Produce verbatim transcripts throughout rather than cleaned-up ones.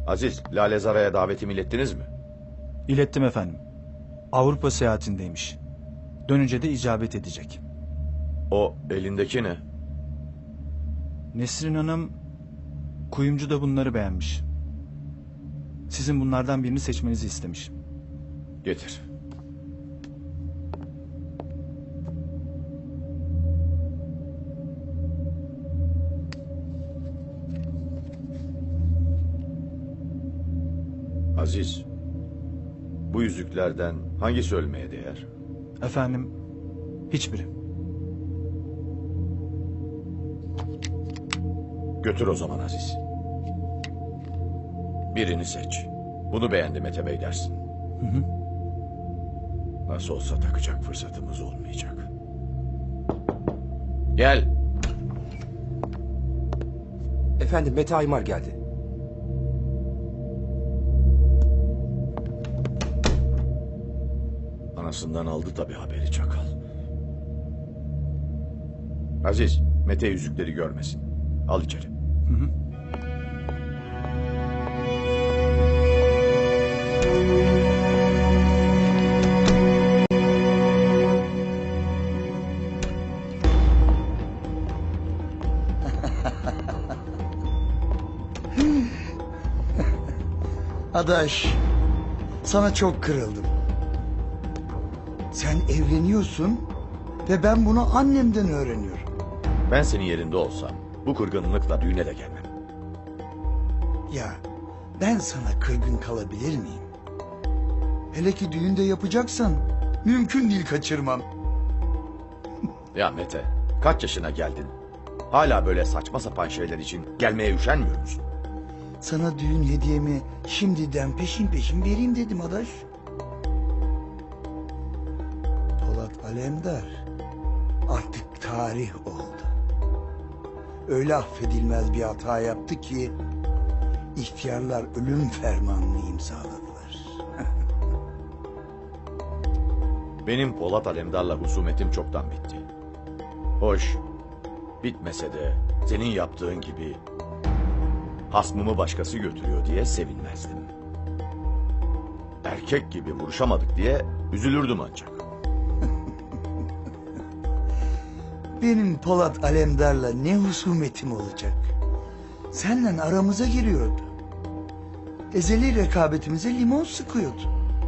Aziz, Lale Zara'ya davetimi ilettiniz mi? İlettim efendim. Avrupa seyahatindeymiş. Dönünce de icabet edecek. O elindeki ne? Nesrin Hanım kuyumcu da bunları beğenmiş. Sizin bunlardan birini seçmenizi istemiş. Getir. Aziz, bu yüzüklerden hangisi ölmeye değer? Efendim, hiçbiri. Götür o zaman Aziz. Birini seç. Bunu beğendi Mete Bey dersin. Hı hı. Nasıl olsa takacak fırsatımız olmayacak. Gel. Efendim Mete Aymar geldi. Anasından aldı tabii haberi çakal. Aziz, Mete yüzükleri görmesin. Al içeri. Hı hı. Adaş, sana çok kırıldım. Sen evleniyorsun ve ben bunu annemden öğreniyorum. Ben senin yerinde olsam bu kırgınlıkla düğüne de gelmem. Ya ben sana kırgın kalabilir miyim? Hele ki düğünde yapacaksan mümkün değil kaçırmam. Ya Mete, kaç yaşına geldin? Hala böyle saçma sapan şeyler için gelmeye üşenmiyor musun? Sana düğün hediyemi şimdiden peşin peşin vereyim dedim adaş. Polat Alemdar artık tarih oldu. Öyle affedilmez bir hata yaptı ki ihtiyarlar ölüm fermanını imzaladılar. Benim Polat Alemdar'la husumetim çoktan bitti. Hoş, bitmese de senin yaptığın gibi hasmımı başkası götürüyor diye sevinmezdim. Erkek gibi vuruşamadık diye üzülürdüm ancak. Benim Polat Alemdar'la ne husumetim olacak? Seninle aramıza giriyordu. Ezeli rekabetimize limon sıkıyordu.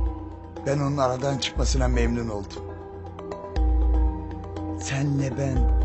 Ben onun aradan çıkmasına memnun oldum. Senle ben